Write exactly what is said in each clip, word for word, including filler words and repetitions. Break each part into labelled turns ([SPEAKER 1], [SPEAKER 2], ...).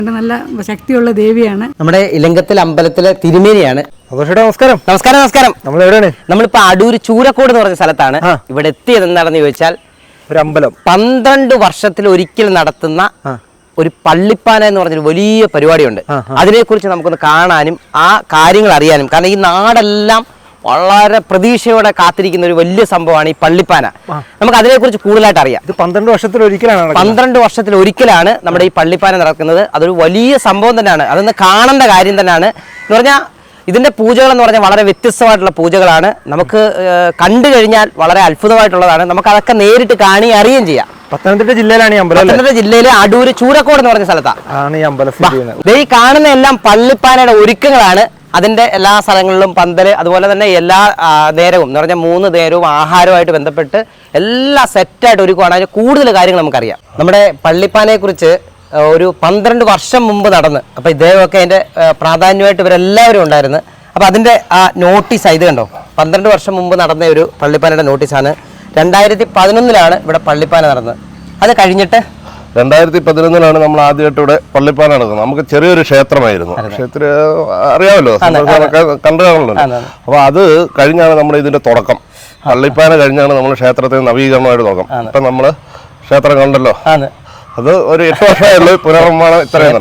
[SPEAKER 1] നല്ല ശക്തിയുള്ള ദേവിയാണ്.
[SPEAKER 2] നമ്മുടെ ഇലങ്കത്തിൽ അമ്പലത്തിലെ തിരുമേനിയാണ്.
[SPEAKER 3] നമസ്കാരം
[SPEAKER 2] നമസ്കാരം നമസ്കാരം
[SPEAKER 3] നമ്മൾ എവിടെയാണ്?
[SPEAKER 2] നമ്മളിപ്പോ അടൂര് ചൂരക്കോട് എന്ന് പറഞ്ഞ സ്ഥലത്താണ്. ഇവിടെ എത്തിയത് എന്താണെന്ന് ചോദിച്ചാൽ
[SPEAKER 3] ഒരു അമ്പലം
[SPEAKER 2] പന്ത്രണ്ട് വർഷത്തിൽ ഒരിക്കൽ നടത്തുന്ന ഒരു പള്ളിപ്പാന എന്ന് പറഞ്ഞൊരു വലിയ പരിപാടിയുണ്ട്. അതിനെക്കുറിച്ച് നമുക്കൊന്ന് കാണാനും ആ കാര്യങ്ങൾ അറിയാനും, കാരണം ഈ നാടെല്ലാം വളരെ പ്രതീക്ഷയോടെ കാത്തിരിക്കുന്ന ഒരു വലിയ സംഭവമാണ് ഈ പള്ളിപ്പാന. നമുക്ക് അതിനെക്കുറിച്ച് കൂടുതലായിട്ട് അറിയാം.
[SPEAKER 3] ഇത് പന്ത്രണ്ട് വർഷത്തിൽ ഒരിക്കലാണ്
[SPEAKER 2] പന്ത്രണ്ട് വർഷത്തിൽ ഒരിക്കലാണ് നമ്മുടെ ഈ പള്ളിപ്പാന നടക്കുന്നത്. അതൊരു വലിയ സംഭവം തന്നെയാണ്. അതൊന്ന് കാണേണ്ട കാര്യം തന്നെയാണ്. എന്ന് പറഞ്ഞാൽ ഇതിന്റെ പൂജകൾ എന്ന് പറഞ്ഞാൽ വളരെ വ്യത്യസ്തമായിട്ടുള്ള പൂജകളാണ്. നമുക്ക് കണ്ടു കഴിഞ്ഞാൽ വളരെ അത്ഭുതമായിട്ടുള്ളതാണ്. നമുക്ക് അതൊക്കെ നേരിട്ട് കാണി അറിയുകയും ചെയ്യാം.
[SPEAKER 3] പത്തനംതിട്ട ജില്ലയിലാണ് ഈ അമ്പലം.
[SPEAKER 2] പത്തനംതിട്ട ജില്ലയിലെ അടൂര് ചൂരക്കോട് എന്ന് പറഞ്ഞ സ്ഥലത്താണ്
[SPEAKER 3] ഈ അമ്പലം.
[SPEAKER 2] ഈ കാണുന്ന എല്ലാം പള്ളിപ്പാനയുടെ ഒരുക്കങ്ങളാണ്. അതിന്റെ എല്ലാ സ്ഥലങ്ങളിലും പന്തല്, അതുപോലെ തന്നെ എല്ലാ നേരവും എന്ന് പറഞ്ഞാൽ മൂന്ന് നേരവും ആഹാരവുമായിട്ട് ബന്ധപ്പെട്ട് എല്ലാം സെറ്റായിട്ട് ഒരുക്കുവാണ്. അതിന് കൂടുതൽ കാര്യങ്ങൾ നമുക്കറിയാം. നമ്മുടെ പള്ളിപ്പാനയെ കുറിച്ച് ഒരു പന്ത്രണ്ട് വർഷം മുമ്പ് നടന്ന്, അപ്പൊ ഇദ്ദേഹമൊക്കെ അതിന്റെ പ്രാധാന്യമായിട്ട് ഇവരെല്ലാവരും ഉണ്ടായിരുന്നു. അപ്പൊ അതിന്റെ ആ നോട്ടീസ് ഇത് കണ്ടോ, പന്ത്രണ്ട് വർഷം മുമ്പ് നടന്ന ഒരു പള്ളിപ്പാനയുടെ നോട്ടീസാണ്. രണ്ടായിരത്തി പതിനൊന്നിലാണ് ഇവിടെ പള്ളിപ്പാന നടന്നത്. അത് കഴിഞ്ഞിട്ട്
[SPEAKER 4] രണ്ടായിരത്തി പതിനൊന്നിലാണ് നമ്മൾ ആദ്യമായിട്ട് ഇവിടെ പള്ളിപ്പാന നടക്കുന്നത്. നമുക്ക് ചെറിയൊരു ക്ഷേത്രമായിരുന്നു. ക്ഷേത്ര അറിയാമല്ലോ, കണ്ടു കാണുന്നുണ്ട്. അപ്പൊ അത് കഴിഞ്ഞാണ് നമ്മുടെ ഇതിന്റെ തുടക്കം. പള്ളിപ്പാന കഴിഞ്ഞാണ് നമ്മൾ ക്ഷേത്രത്തിന് നവീകരണമായിട്ട് തുടക്കം. ഇപ്പൊ നമ്മള് ക്ഷേത്രം കണ്ടല്ലോ, അത് ഒരു എട്ട് വർഷമായുള്ളൂ പുനർനിർമ്മാണം.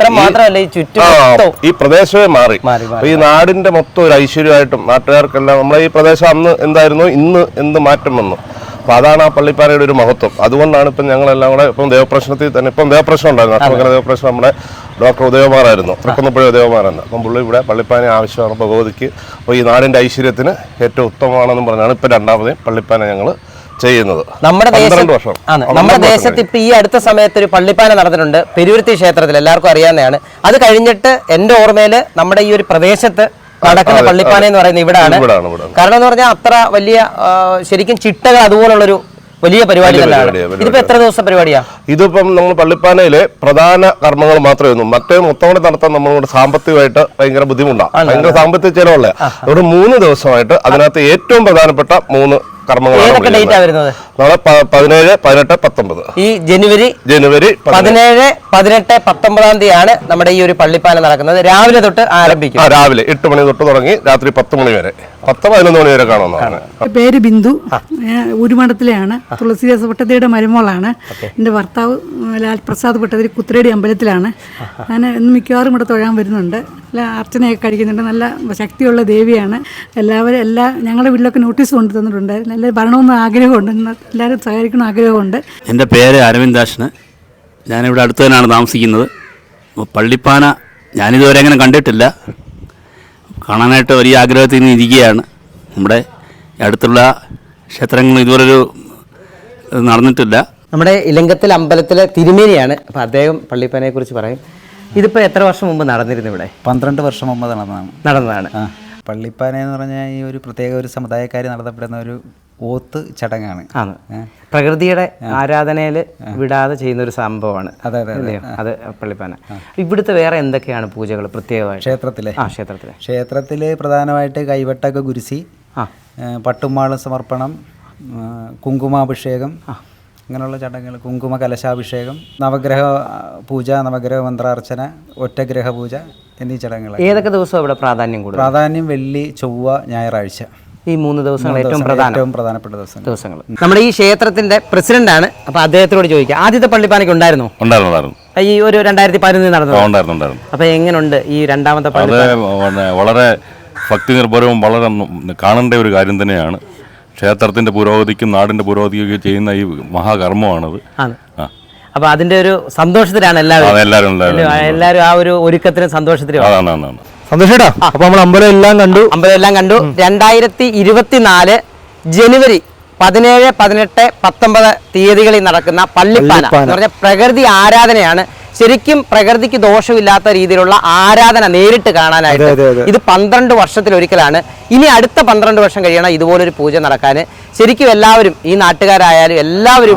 [SPEAKER 4] ഇത്രയും ഈ പ്രദേശമേ മാറി. ഈ നാടിന്റെ മൊത്തം ഒരു ഐശ്വര്യമായിട്ടും നാട്ടുകാർക്കെല്ലാം നമ്മളെ ഈ പ്രദേശം അന്ന് എന്തായിരുന്നു, ഇന്ന് എന്ത് മാറ്റം വന്നു. അപ്പൊ അതാണ് ആ പള്ളിപ്പാനയുടെ ഒരു മഹത്വം. അതുകൊണ്ടാണ് ഇപ്പം ഞങ്ങളെല്ലാം കൂടെ ഇപ്പം ദേവപ്രശ്നത്തിൽ തന്നെ ഇപ്പം ദേവപ്രശ്നം ഉണ്ടായിരുന്നു. അഷ്ടമംഗല ദേവപ്രശ്നം നമ്മുടെ ഡോക്ടർ ഉദയകുമാറായിരുന്നു, തൃക്കുന്നപ്പുഴ ഉദയകുമാറായിരുന്നു. അപ്പം പുള്ളി ഇവിടെ പള്ളിപ്പാന ആവശ്യമാണ് ഭഗവതിക്ക്. അപ്പോൾ ഈ നാടിന്റെ ഐശ്വര്യത്തിന് ഏറ്റവും ഉത്തമമാണെന്നും പറഞ്ഞാണ് ഇപ്പം രണ്ടാമതേ പള്ളിപ്പാന ഞങ്ങൾ ചെയ്യുന്നത്.
[SPEAKER 2] നമ്മുടെ ദേശം നമ്മുടെ ദേശത്ത് ഇപ്പൊ ഈ അടുത്ത സമയത്ത് ഒരു പള്ളിപ്പാന നടന്നിട്ടുണ്ട് പെരുവരുത്തി ക്ഷേത്രത്തിൽ, എല്ലാവർക്കും അറിയാവുന്നതാണ്. അത് കഴിഞ്ഞിട്ട് എന്റെ ഓർമ്മയിൽ നമ്മുടെ ഈ ഒരു പ്രദേശത്ത് നടക്കുന്ന പള്ളിപ്പാന എന്ന് പറയുന്നത് ഇവിടാണ്. കാരണം എന്ന് പറഞ്ഞാൽ അത്ര വലിയ ശരിക്കും ചിട്ടകൾ അതുപോലുള്ളൊരു വലിയ പരിപാടി തന്നെയാണ്. ഇതിപ്പോ എത്ര ദിവസം പരിപാടിയാ?
[SPEAKER 4] ഇതിപ്പം നമ്മൾ പള്ളിപ്പാനയിലെ പ്രധാന കർമ്മങ്ങൾ മാത്രമേ ഒന്നും, മറ്റേ മൊത്തം നടത്താൻ നമ്മളോട് സാമ്പത്തികമായിട്ട് ഭയങ്കര ബുദ്ധിമുട്ടാണ്, ഭയങ്കര സാമ്പത്തിക ചെലവുള്ള. അതുകൊണ്ട് മൂന്ന് ദിവസമായിട്ട് അതിനകത്ത് ഏറ്റവും പ്രധാനപ്പെട്ട മൂന്ന് പതിനേഴ് പതിനെട്ട് പത്തൊമ്പത് ഈ ജനുവരി ജനുവരി
[SPEAKER 2] പതിനേഴ് പതിനെട്ട് പത്തൊമ്പതാം തീയതിയാണ് നമ്മുടെ ഈ ഒരു പള്ളിപ്പാന നടക്കുന്നത്. രാവിലെ തൊട്ട് ആരംഭിക്കും.
[SPEAKER 4] രാവിലെ എട്ട് മണി തൊട്ട് തുടങ്ങി രാത്രി പത്ത് മണി വരെ, പത്ത് പതിനൊന്ന് മണി വരെ കാണുന്നതാണ്.
[SPEAKER 1] പേര് ബിന്ദു, ഉരുമഠത്തിലെയാണ്. തുളസീദാസ് ഭട്ടതിരിയുടെ മരുമോളാണ്. എൻ്റെ ഭർത്താവ് ലാൽ പ്രസാദ് ഭട്ടതിരി കുത്തിരേടി അമ്പലത്തിലാണ്. ഞാൻ ഇന്ന് മിക്കവാറും ഇവിടെ തൊഴാൻ വരുന്നുണ്ട്. എല്ലാ അർച്ചനയൊക്കെ കഴിക്കുന്നുണ്ട്. നല്ല ശക്തിയുള്ള ദേവിയാണ്. എല്ലാവരും എല്ലാ ഞങ്ങളുടെ വീട്ടിലൊക്കെ നോട്ടീസ് കൊണ്ടു തന്നിട്ടുണ്ട്. നല്ല ഭരണമെന്ന് ആഗ്രഹമുണ്ട്, എല്ലാവരും സഹകരിക്കണം ആഗ്രഹമുണ്ട്.
[SPEAKER 5] എൻ്റെ പേര് അരവിന്ദാഷന്. ഞാനിവിടെ അടുത്ത് തന്നെയാണ് താമസിക്കുന്നത്. പള്ളിപ്പാന ഞാനിതുവരെ അങ്ങനെ കണ്ടിട്ടില്ല. കാണാനായിട്ട് വലിയ ആഗ്രഹത്തിൽ നിന്ന് ഇരിക്കുകയാണ്. നമ്മുടെ അടുത്തുള്ള ക്ഷേത്രങ്ങൾ ഇതുപോലൊരു നടന്നിട്ടില്ല.
[SPEAKER 2] നമ്മുടെ ഇലങ്കത്തിൽ അമ്പലത്തിലെ തിരുമേനിയാണ്. അപ്പം അദ്ദേഹം പള്ളിപ്പാനയെ കുറിച്ച് പറയും. ഇതിപ്പോ എത്ര വർഷം മുമ്പ് നടന്നിരുന്നു ഇവിടെ?
[SPEAKER 6] പന്ത്രണ്ട് വർഷം മുമ്പ് നടന്നതാണ്
[SPEAKER 2] നടന്നതാണ്
[SPEAKER 6] പള്ളിപ്പാന എന്ന് പറഞ്ഞാൽ ഈ ഒരു പ്രത്യേക ഒരു സമുദായക്കാർ നടത്തപ്പെടുന്ന ഒരു ഓത്ത് ചടങ്ങാണ്.
[SPEAKER 2] പ്രകൃതിയുടെ ആരാധനയിൽ വിടാതെ ചെയ്യുന്ന ഒരു സംഭവമാണ്.
[SPEAKER 6] അതെ അതെ
[SPEAKER 2] അത് പള്ളിപ്പാന. ഇവിടുത്തെ വേറെ എന്തൊക്കെയാണ് പൂജകൾ പ്രത്യേകമായി
[SPEAKER 6] ക്ഷേത്രത്തിലെ?
[SPEAKER 2] ആ ക്ഷേത്രത്തിലെ
[SPEAKER 6] ക്ഷേത്രത്തിൽ പ്രധാനമായിട്ട് കൈവട്ടൊക്കെ കുരിശി, പട്ടുമാളും സമർപ്പണം, കുങ്കുമാഭിഷേകം, അങ്ങനെയുള്ള ചടങ്ങുകൾ, കുങ്കുമ കലശാഭിഷേകം, നവഗ്രഹ പൂജ, നവഗ്രഹ മന്ത്രാർച്ചന, ഒറ്റഗ്രഹ പൂജ എന്നീ ചടങ്ങുകൾ.
[SPEAKER 2] ഏതൊക്കെ ദിവസം ഇവിടെ പ്രാധാന്യം കൂടുതൽ?
[SPEAKER 6] പ്രാധാന്യം വെള്ളി, ചൊവ്വ, ഞായറാഴ്ച.
[SPEAKER 2] ഈ മൂന്ന് ദിവസങ്ങൾ ഏറ്റവും
[SPEAKER 6] ഏറ്റവും പ്രധാനപ്പെട്ട ദിവസം
[SPEAKER 2] ദിവസങ്ങൾ. നമ്മുടെ ഈ ക്ഷേത്രത്തിന്റെ പ്രസിഡന്റ് ആണ്. അപ്പൊ അദ്ദേഹത്തോട് ചോദിക്കാം, ആദ്യത്തെ പള്ളിപ്പാനയ്ക്ക് ഉണ്ടായിരുന്നോ?
[SPEAKER 4] ഉണ്ടായിരുന്നു.
[SPEAKER 2] ഈ ഒരു രണ്ടായിരത്തി പതിനൊന്നിൽ നടന്നു. അപ്പൊ എങ്ങനെയുണ്ട് ഈ രണ്ടാമത്തെ
[SPEAKER 4] പള്ളിപ്പാന? വളരെ ഭക്തി നിർഭരവും വളരെ കാണേണ്ട ഒരു കാര്യം തന്നെയാണ്. ക്ഷേത്രത്തിന്റെ പുരോഗതിക്കും നാടിന്റെ പുരോഗതിക്കും ചെയ്യുന്ന ഈ മഹാകർമ്മമാണത്.
[SPEAKER 2] അപ്പൊ അതിന്റെ ഒരു സന്തോഷത്തിലാണ് എല്ലാവരും എല്ലാവരും ആ ഒരു ഒരുക്കത്തിനും സന്തോഷത്തിലും.
[SPEAKER 3] സന്തോഷേട്ടാ, അപ്പൊ നമ്മൾ അമ്പലം എല്ലാം കണ്ടു
[SPEAKER 2] അമ്പലം എല്ലാം കണ്ടു രണ്ടായിരത്തി ഇരുപത്തിനാല് ജനുവരി പതിനേഴ് പതിനെട്ട് പത്തൊമ്പത് തീയതികളിൽ നടക്കുന്ന പള്ളിപ്പാന എന്ന് പറഞ്ഞ പ്രകൃതി ആരാധനയാണ്. ശരിക്കും പ്രകൃതിക്ക് ദോഷമില്ലാത്ത രീതിയിലുള്ള ആരാധന നേരിട്ട് കാണാനായിട്ട് ഇത് പന്ത്രണ്ട് വർഷത്തിൽ ഒരിക്കലാണ്. ഇനി അടുത്ത പന്ത്രണ്ട് വർഷം കഴിയണം ഇതുപോലൊരു പൂജ നടക്കാൻ. ശരിക്കും എല്ലാവരും ഈ നാട്ടുകാരായാലും എല്ലാവരും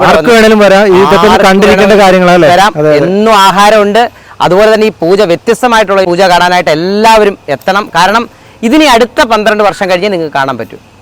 [SPEAKER 2] വരാം. എന്നും ആഹാരമുണ്ട്. അതുപോലെ തന്നെ ഈ പൂജ വ്യത്യസ്തമായിട്ടുള്ള പൂജ കാണാനായിട്ട് എല്ലാവരും എത്തണം. കാരണം ഇതിനി അടുത്ത പന്ത്രണ്ട് വർഷം കഴിഞ്ഞ് നിങ്ങൾക്ക് കാണാൻ പറ്റും.